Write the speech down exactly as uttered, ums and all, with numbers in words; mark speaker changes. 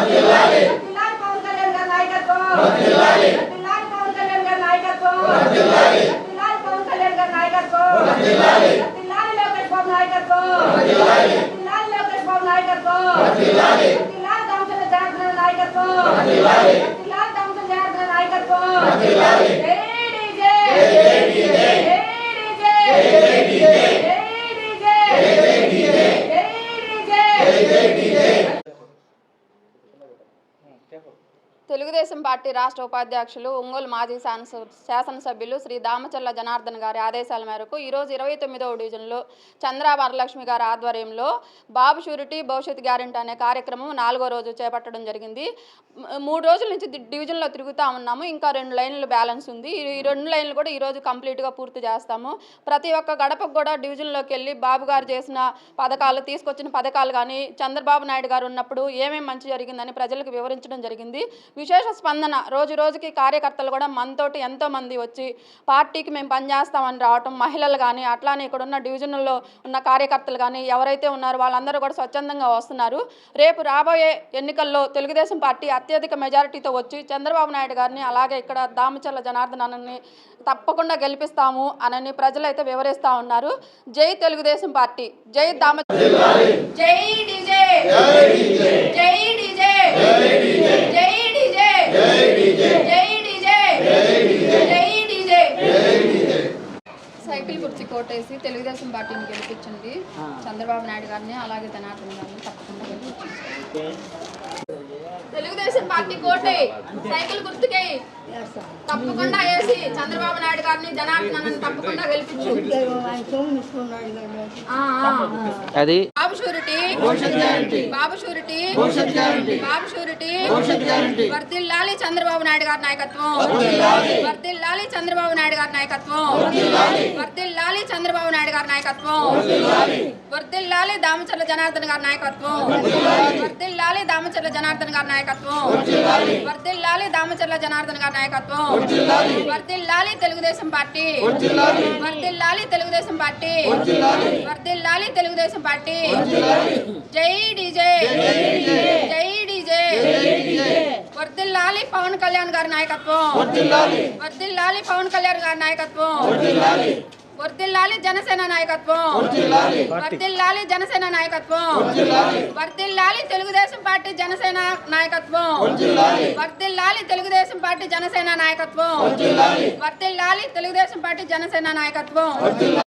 Speaker 1: వర్ధిల్లాలి పవన్ కళ్యాణ్ గారి నాయకత్వం వర్ధిల్లాలి పవన్ కళ్యాణ్ గారి నాయకత్వం వర్ధిల్లాలి పవన్ కళ్యాణ్ గారి నాయకత్వం వర్ధిల్లాలి లోకేష్ బాబు నాయకత్వం వర్ధిల్లాలి లోకేష్ బాబు నాయకత్వం వర్ధిల్లాలి దామచర్ల జనార్దన నాయకత్వం వర్ధిల్లాలి దామచర్ల జనార్దన నాయకత్వం వర్ధిల్లాలి జై డీజే జై డీజే జై డీజే జై డీజే జై డీజే
Speaker 2: తెలుగుదేశం పార్టీ రాష్ట్ర ఉపాధ్యక్షులు ఒంగోలు మాజీ శాసనసభ్యులు శ్రీ దామచర్ల జనార్దన్ గారి ఆదేశాల మేరకు ఈరోజు ఇరవై తొమ్మిదవ డివిజన్లో చంద్ర వరలక్ష్మి గారి ఆధ్వర్యంలో బాబు షూరిటీ భవిష్యత్ గ్యారెంటీ అనే కార్యక్రమం నాలుగో రోజు చేపట్టడం జరిగింది. మూడు రోజుల నుంచి డివిజన్లో తిరుగుతూ ఉన్నాము. ఇంకా రెండు లైన్లు బ్యాలెన్స్ ఉంది. ఈ రెండు లైన్లు కూడా ఈరోజు కంప్లీట్గా పూర్తి చేస్తాము. ప్రతి ఒక్క గడపకు కూడా డివిజన్లోకి వెళ్ళి బాబు గారు చేసిన పథకాలు, తీసుకొచ్చిన పథకాలు కానీ, చంద్రబాబు నాయుడు గారు ఉన్నప్పుడు ఏమేమి మంచి జరిగిందని ప్రజలకు వివరించడం జరిగింది. విశేష స్పందన, రోజు రోజుకి కార్యకర్తలు కూడా మనతోటి ఎంతోమంది వచ్చి పార్టీకి మేము పనిచేస్తామని రావటం, మహిళలు కానీ, అట్లానే ఇక్కడ ఉన్న డివిజన్లో ఉన్న కార్యకర్తలు కానీ ఎవరైతే ఉన్నారో వాళ్ళందరూ కూడా స్వచ్ఛందంగా వస్తున్నారు. రేపు రాబోయే ఎన్నికల్లో తెలుగుదేశం పార్టీ అత్యధిక మెజారిటీతో వచ్చి చంద్రబాబు నాయుడు గారిని అలాగే ఇక్కడ దామచర్ల జనార్దనాన్ని తప్పకుండా గెలిపిస్తాము అని ప్రజలు అయితే వివరిస్తూ ఉన్నారు. జై తెలుగుదేశం పార్టీ, జై దామచర్ల, జై డీజే, జై డీజే, జై సైకిల్ కుర్చీ కోటేసి తెలుగుదేశం పార్టీని గెలిపించండి. చంద్రబాబు నాయుడు గారిని అలాగే జనార్దన్ గారిని తప్పకుండా గెలిపించండి. తెలుగుదేశం పార్టీ కోటే సైకిల్ గుర్తుకే తప్పకుండా వేసి చంద్రబాబు నాయుడు గారిని జనార్దన్ తప్పకుండా గెలిపించు.
Speaker 3: అది
Speaker 2: Babu surety, Babu surety, Babu surety, వర్ధిల్లాలి చంద్రబాబు నాయుడు గారి నాయకత్వం, వర్ధిల్లాలి చంద్రబాబు నాయుడు గారి నాయకత్వం, వర్ధిల్లాలి చంద్రబాబు నాయుడు గారి నాయకత్వం, వర్ధిల్లాలి దామచర్ల జనార్దన్ గారి నాయకత్వం, వర్ధిల్లాలి దామచర్ల జనార్దన్ గారి నాయకత్వం, వర్ధిల్లాలి దామచర్ల జనార్దన్ గారి నాయకత్వం, వర్ధిల్లాలి తెలుగుదేశం పార్టీ, వర్ధిల్లాలి తెలుగుదేశం పార్టీ, వర్ధిల్లాలి తెలుగుదేశం పార్టీ. జై డీజే, జై డీజే, వర్ధిల్లాలి పవన్ కళ్యాణ్ గారి నాయకత్వం, వర్ధిల్లాలి పవన్ కళ్యాణ్ గారి నాయకత్వం, వర్ధిల్లాలి జనసేన నాయకత్వం, వర్ధిల్లాలి జనసేన నాయకత్వం, వర్ధిల్లాలి తెలుగుదేశం పార్టీ జనసేన నాయకత్వం, వర్ధిల్లాలి తెలుగుదేశం పార్టీ జనసేన నాయకత్వం, వర్ధిల్లాలి తెలుగుదేశం పార్టీ జనసేన నాయకత్వం.